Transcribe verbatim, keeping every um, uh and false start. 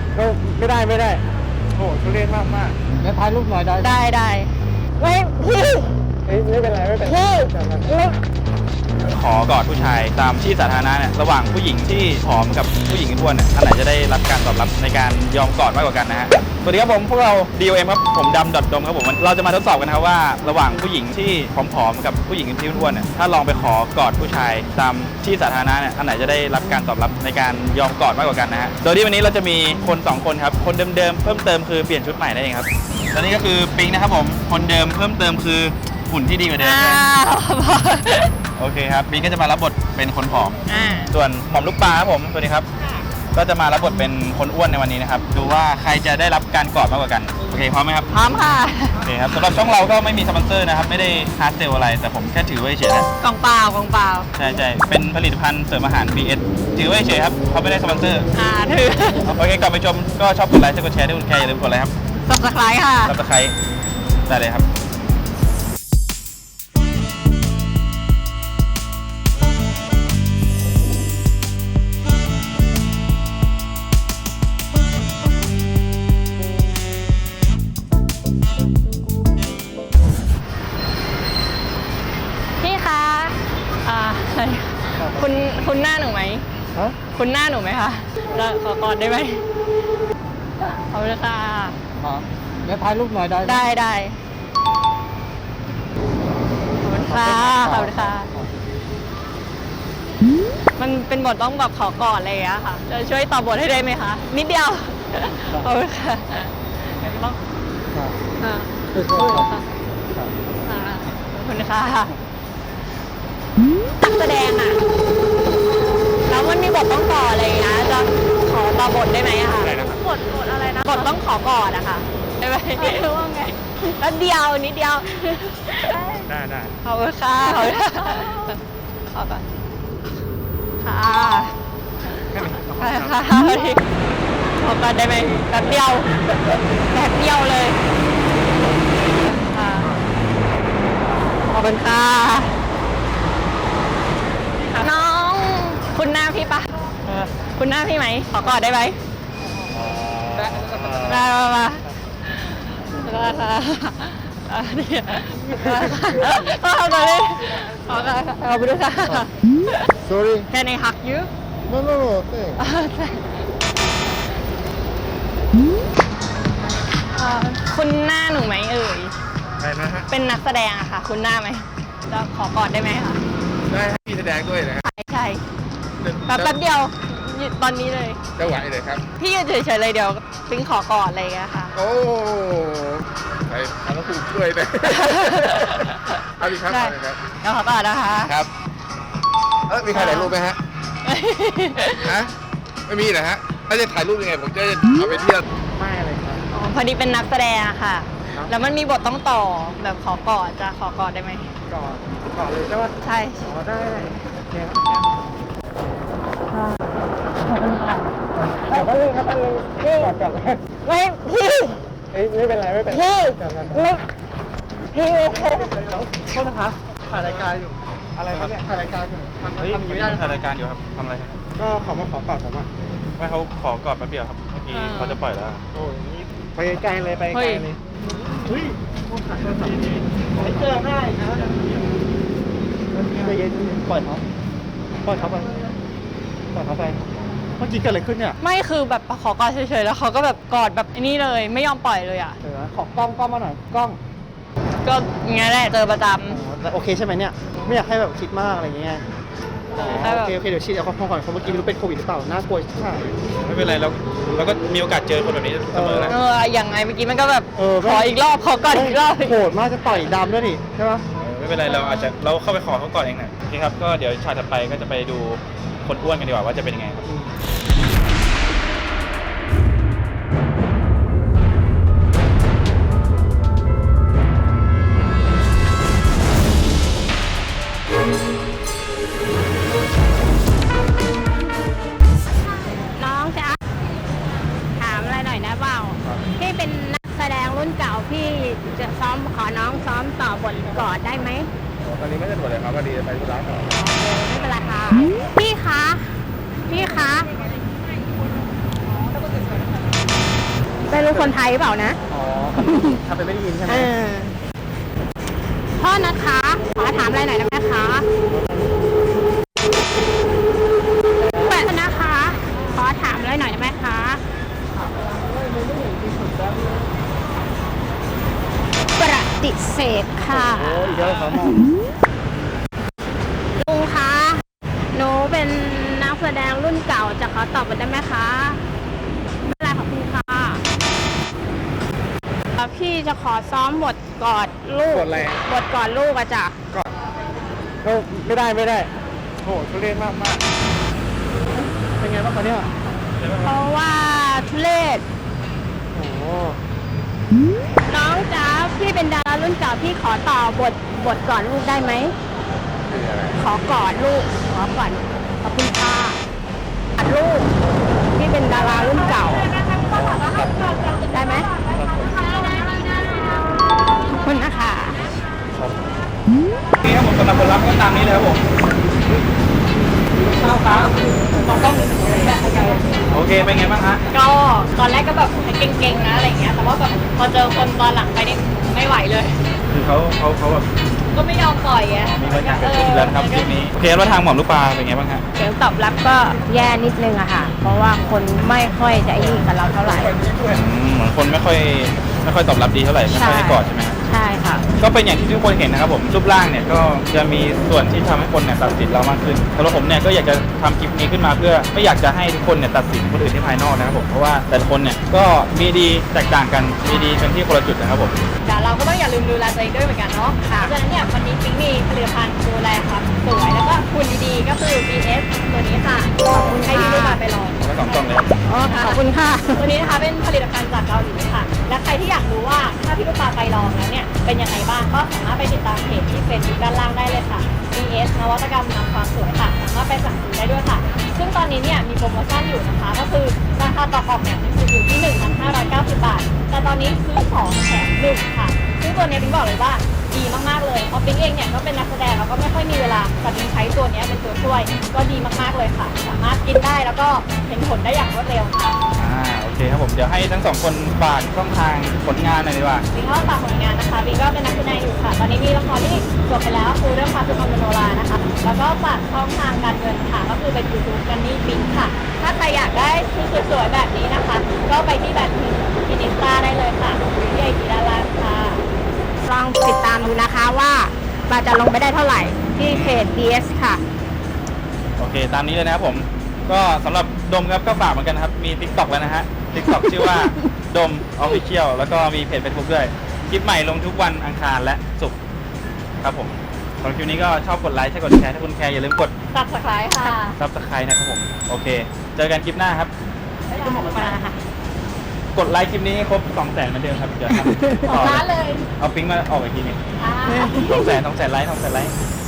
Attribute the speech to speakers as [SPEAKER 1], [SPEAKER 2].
[SPEAKER 1] ก็ไม่ได้ไม่ได้โอ้ทุเรศมากมากแล้วถ่ายรูปหน่อยได้
[SPEAKER 2] ได้ได้ไม่พี่
[SPEAKER 1] ไม่เป็นไรไม่เป็นไร
[SPEAKER 2] พี่
[SPEAKER 3] ขอกอดผู้ชายตามที่สาธารณะเนี่ยระหว่างผู้หญิงที่ผอมกับผู้หญิงอ้วนเนี่ยอันไหนจะได้รับการตอบรับในการยอมกอดมากกว่ากันนะฮะสวัสดีครับผมพวกเรา ดี โอ เอ็ม ครับผมดำดอทดมครับผมเราจะมาทดสอบกันครับว่าระหว่างผู้หญิงที่ผอมๆกับผู้หญิงที่อ้วนเนี่ยถ้าลองไปขอกอดผู้ชายตามที่สาธารณะเนี่ยอันไหนจะได้รับการตอบรับในการยอมกอดมากกว่ากันนะฮะโดยที่วันนี้เราจะมีคนสองคนครับคนเดิมๆเพิ่มเติมคือเปลี่ยนชุดใหม่นั่นเองครับตอนนี้ก็คือปิงนะครับผมคนเดิมเพิ่มเติมคือหุ่นที่ดีกว่าเดิมโอเคครับปิงก็จะมารับบทเป็นคนผอมส่วนหม่อมลูกปลาครับผมสวัสดีครับก็จะมารับบทเป็นคนอ้วนในวันนี้นะครับดูว่าใครจะได้รับการกอดมากกว่ากันโอเคพร้อมไหมครับ
[SPEAKER 2] พร้อมค่ะ
[SPEAKER 3] โอเคครับสำหรับช่องเราก็ไม่มีสปอนเซอร์นะครับไม่ได้ฮาร์ดเซลอะไรแต่ผมแค่ถือไว้เฉยนะ
[SPEAKER 2] กล่องเปล่ากล่องเปล่า
[SPEAKER 3] ใช่ใช่เป็นผลิตภัณฑ์เสริมอาหาร บี เอส ถือไว้เฉยครับเขาไม่ได้สปอนเซอร์
[SPEAKER 2] อ่าถือ
[SPEAKER 3] โอเคก่อนไปชมก็ชอบกดไลค์กดแชร์ด้วยคุณแค่อย่าลืมกดไลค์ครับ
[SPEAKER 2] ซับสไครต์ค่ะ
[SPEAKER 3] ซับสไครต์ได้เลยครับ
[SPEAKER 2] คุณคุณหน้าหนูไหมคุณหน้าหนูไหมคะแล้วขอกอดได้ไหมขอบคุณค่ะ
[SPEAKER 1] แล้วถ่ายรูปหน่อยได้
[SPEAKER 2] ได้ได้ขอบคุณค่ะขอบคุณค่ะมันเป็นบทต้องแบบขอกอดอะไรอย่างเงี้ยค่ะจะช่วยตอบบทให้ได้ไหมคะนิดเดียวขอบคุณค่ะต้องอ่าขอบคุณค่ะขอบคุณค่ะนักแสดงอ่ะแล้วมันมีบทต้องต่ออะไรนะจะขอต่อบทได้ไหมอะคะบทบทอะไรนะบทต้องขอกอดอะค่ะได้ไหมรู้ว่าไงแล้วเดียวนิดเดียว
[SPEAKER 3] ได้ได้
[SPEAKER 2] ขอบคุณค่ะขอบคุณขอก่อนค่ะค่ะขอก่อนได้ไหมแบบเดียวแบบเดียวเลยค่ะขอบคุณค่ะน้องคุณหน้าพี่ปะคุณหน้าพี่ไหมขอกอดได้ไหมได้มามาได้ค่ะนี่ขอก่อนเลยขอก่อนขอบคุณค่ะ
[SPEAKER 1] sorry
[SPEAKER 2] Can I hug you
[SPEAKER 1] no no no thanks
[SPEAKER 2] คุณหน้าหนูไหมเอ่ย
[SPEAKER 1] ใช่นะฮะ
[SPEAKER 2] เป็นนักแสดงอะค่ะคุณหน้าไหมจะขอกอดได้ไหมคะ
[SPEAKER 1] ได้ให้พี่แสดงด้วยนะ
[SPEAKER 2] ใช่ใช่แป๊บเดียวตอนนี้เลย
[SPEAKER 1] จะไหวเลยครับ
[SPEAKER 2] พี่ยืนเฉยๆเลยเดี๋ยวปิ๊งขอกอดอะไรอย่างเงี้ยค่ะ
[SPEAKER 1] โอ้ไปทำกระปุกด้วยเลยเอาดิครับเอาดิครับ
[SPEAKER 2] เดี๋ยวขอกอดนะคะ
[SPEAKER 1] ครับเออมีใครถ่ายรูปไหมฮะฮะไม่มีนะฮะถ้าจะถ่ายรูปยังไงผมจะเอาไปเที่ยวไม่เลยครับ
[SPEAKER 2] อ๋อพอดีเป็นนักแสดงค่ะแล้วมันมีบทต้องต่อแบบขอกอดจะขอกอดได้ไหม
[SPEAKER 1] กอดกอดเลยใช่ไหม
[SPEAKER 2] ใช่
[SPEAKER 1] ขอได้โอเคครับแป๊บนึงครับแป๊บนึงพี่กอดก่อน
[SPEAKER 2] ไม่พี่
[SPEAKER 1] ไม่เป็นไรไม่เป็น
[SPEAKER 2] พี่ไม่พี่
[SPEAKER 1] โทษนะคะถ่ายรายการอยู่อะไรครับเนี่ยถ่ายรายการอยู่
[SPEAKER 3] ทำทำอยู่ไม่ได้ถ่ายรายการอยู่ครับทำอะไรครับ
[SPEAKER 1] ก็เขามาขอกอดผมอ่ะ
[SPEAKER 3] ไม่เขาขอกอดแป๊บเดียวครับเมื่อกี้เขาจะปล่อยแล้ว
[SPEAKER 1] โอ้ยไปไกลเลยไปไกลเลยเฮ้ยไม่เจอง่ายนะใจเย็นปล่อยเขาปล่อยเขาไปปล่อยเขาไปเมื่อกี้เกิดอะไรขึ้นเนี่ย
[SPEAKER 2] ไม่คือแบบขอกอดเฉยๆแล้วเขาก็แบบกอดแบบนี้เลยไม่ยอมปล่อยเลยอ่ะ
[SPEAKER 1] เออขอกล้องกล้องมาหน่อยกล้อง
[SPEAKER 2] ก็งั้นแหละเจอประจำ
[SPEAKER 1] โอเคใช่ไหมเนี่ยไม่อยากให้แบบคิดมากอะไรอย่างเงี้ยโอเคโอเคเดี๋ยวฉีดแอลกอฮอล์ก่อนเพราะเมื่อกี้ไม่รู้เป็นโควิดหรือเปล่าน่ากลัวใช่
[SPEAKER 3] ไม่เป็นไรเราเราก็มีโอกาสเจอคนแบบนี้เสมอแล้ว
[SPEAKER 2] เอออย่างไงเมื่อกี้มันก็แบบขออีกรอบขอก่อนอีกรอบ
[SPEAKER 1] โหดมากจะต่อยดำด้วยนี่ใช่ปะ
[SPEAKER 3] ไม่เป็นไรเราอาจจะเราเข้าไปขอเขาก่อนเองนะโอเคครับก็เดี๋ยวฉากถัดไปก็จะไปดูคนอ้วนกันดีกว่าว่าจะเป็นยังไงครับ
[SPEAKER 4] น้องจ๊ะถามอะไรหน่อยนะเปล่าพี่เป็นนักแสดงรุ่นเก่าพี่จะซ้อมขอน้องซ้อมต่อบทกอดได้ไหม
[SPEAKER 1] ตอนนี้ไม่สะดวกเลยครับพอดีจะไปธุระต่อ
[SPEAKER 4] ไม่เป็นไรค่ะพี่คะพี่คะไม่รู้คนไทยเปล่านะ
[SPEAKER 1] อ๋อทำเป็นไม่ได้ยินใช่ไหม
[SPEAKER 4] เออพ่อนะคะขอถามอะไรหน่อยได้ไหมคะแปะนะคะ ขอถามอะไรหน่อยได้ไหมคะปฏิเสธค่ะ
[SPEAKER 1] โอ้อีกแล้วครับหมอ
[SPEAKER 4] ลุงคะหนูเป็นนักแสดงรุ่นเก่าจะขอตอบบทได้ไหมคะไม่เป็นไรขอบคุณค่ะเอ่อพี่จะขอซ้อมบทกอดลูก
[SPEAKER 1] กดอะไร
[SPEAKER 4] บทกอดลูกอะจ้ะ
[SPEAKER 1] ก่อนก็ไม่ได้ไม่ได้โหทุเรศมากมากเป็นไงบ้างคะเนี่ย
[SPEAKER 4] เพราะว่าทุเลศ
[SPEAKER 1] โอ้โห
[SPEAKER 4] น้องจ๊ะพี่เป็นดารารุ่นเก่าพี่ขอต่อบทบทกอดลูกได้ไหม
[SPEAKER 1] คืออะไร
[SPEAKER 4] ขอกอดลูกขอก่อนขอบคุณค่ะกอดลูกพี่เป็นดารารุ่นเก่าได้ไหมขอบคุณนะคะ
[SPEAKER 3] นี่ครับผมสำหรับผลลัพธ์ก็ตามนี้เลยครับผมโอเคเป็นไงบ้างฮะ
[SPEAKER 2] ก็ตอนแรกก็แบบเก่งๆนะอะไรเงี้ย แต่ว่าแบบพอเจอคนตอนหลังไปนี่ไม่ไหวเลย
[SPEAKER 3] คือเขาเขาเขาแบบ
[SPEAKER 2] ก็ไม่ยอมปล่อยไง
[SPEAKER 3] มีบางอย่างเกิดขึ้นแล้วนะครับคลิปนี้โอเคแล้วทางหม่อมลูกปลาเป็นไงบ้างฮะ
[SPEAKER 4] เสียงตอบรับก็แย่นิดนึงอะค่ะ เพราะว่าคนไม่ค่อยจะไอ้นี่กับเราเท่าไหร่
[SPEAKER 3] อืมเหมือนคนไม่ค่อยไม่ค่อยตอบรับดีเท่าไหร่ไม่ค่อยให้กอดใช่ไหมฮะ
[SPEAKER 4] ใช่ค่ะ
[SPEAKER 3] ก็เป็นอย่างที่ทุกคนเห็นนะครับผมรูปร่างเนี่ยก็จะมีส่วนที่ทำให้คนเนี่ยตัดสินเรามากขึ้นสำหรับผมเนี่ยก็อยากจะทำคลิปนี้ขึ้นมาเพื่อไม่อยากจะให้ทุกคนเนี่ยตัดสินคนอื่นที่ภายนอกนะครับผมเพราะว่าแต่ละคนเนี่ยก็มีดีแตกต่างกันมีดีเป็นที่คนละจุดนะครับผม
[SPEAKER 2] แต่เราก็ต้องอย่าลืมดูแลตัวเองด้วยเหมือนกันเนาะเพราะฉะนั้นเนี่ยวันนี้ปิ๊งมีผลิตภัณฑ์ดูแลครับสวยแล้วก็คุณดีๆ ก็คือ บี เอส ตัวนี้ค่ะขอบคุณให้พี่ลูกมาไปลอง
[SPEAKER 3] แล้วสองกล่องเลยครับ
[SPEAKER 4] อ๋อขอบคุณค่ะ
[SPEAKER 2] ตัวนี้นะคะเป็นผลิตภัณฑ์จากเกาหลีค่ะ และใครที่อยากรู้ว่าถ้าพี่ลูกปลาไปลองแล้วเนี่ยเป็นยังไงบ้างก็สามารถไปติดตามเพจที่เฟซบุ๊กด้านล่างได้เลยค่ะ บี เอส นวัตกรรมนำความสวยค่ะสามารถไปสั่งซื้อได้ด้วยค่ะ ซึ่งตอนนี้เนี่ยมีโปรโมชั่นอยู่นะคะ ก็คือราคาต่อกล่องเนี่ยมันอยู่ที่ หนึ่งพันห้าร้อยเก้าสิบ บาท แต่ตอนนี้ซื้อสองแถมหนึ่งค่ะ ซึ่งตัวเนี้ยปิ๊งบอกเลยว่าดีมากๆเลยเพราะปิ๊งเองเนี่ยก็เป็นนักแสดงแล้วก็ไม่ค่อยมีเวลาแต่ปิ๊งใช้ตัวเนี้ยเป็นตัวช่วย ก็ดีมากๆเลยค่ะ สามารถกินได้แล้วก็เห็นผลได้อย่างรวดเร็วค่ะ
[SPEAKER 3] อ่าโอเคครับผมเดี๋ยวให้ทั้งสองคนฝากช่องทางผลงานหน่อยดีกว่า
[SPEAKER 2] บิงก็ฝากผลงานนะคะบิงก็เป็นนักแสดงอยู่ค่ะ ตอนนี้มีละครที่จบไปแล้วคือเรื่องพาสุพรรณมโนรานะคะ แล้วก็ฝากช่องทางการเงินค่ะ ก็คือเป็นยูทูบกันนี่บิงค่ะ ถ้าใครอยากได้ชุดสวยๆแบบนี้นะคะ ก็ไปที่แบบฟินิสตาได้เลยค่ะที่ไอจีด้านล่างค่ะ
[SPEAKER 4] ลองติดตามดูนะคะว่าปลาจะลงไปได้เท่าไหร่ที่เพจ บี เอส ค่ะ
[SPEAKER 3] โอเคตามนี้เลยนะครับผมก็สำหรับดมครับก็ฝากเหมือนกันนะครับมี TikTok แล้วนะฮะ TikTok ชื่อว่าดม Official แล้วก็มีเพจ Facebook ด้วยคลิปใหม่ลงทุกวันอังคารและศุกร์ครับผมสำหรับคลิปนี้ก็ชอบกดไลค์ใช่กดแชร์ถ้าคุณแคร์อย่าลืมกด
[SPEAKER 2] สับสไครค่ะ
[SPEAKER 3] Subscribe นะครับผมโอเค เจอกันคลิปหน้าครับ
[SPEAKER 2] ก็หมดมาค่ะ
[SPEAKER 3] กดไลค์คลิปนี้ให้ครบสองแสนเหมือนเดิมครับเดี๋ยวทำ
[SPEAKER 2] สองล้านเลย
[SPEAKER 3] เอาปิ๊งมาออกอีกทีหนึง
[SPEAKER 2] อ่า
[SPEAKER 3] สองแสนสองแสนไลค์สองแสนไลค์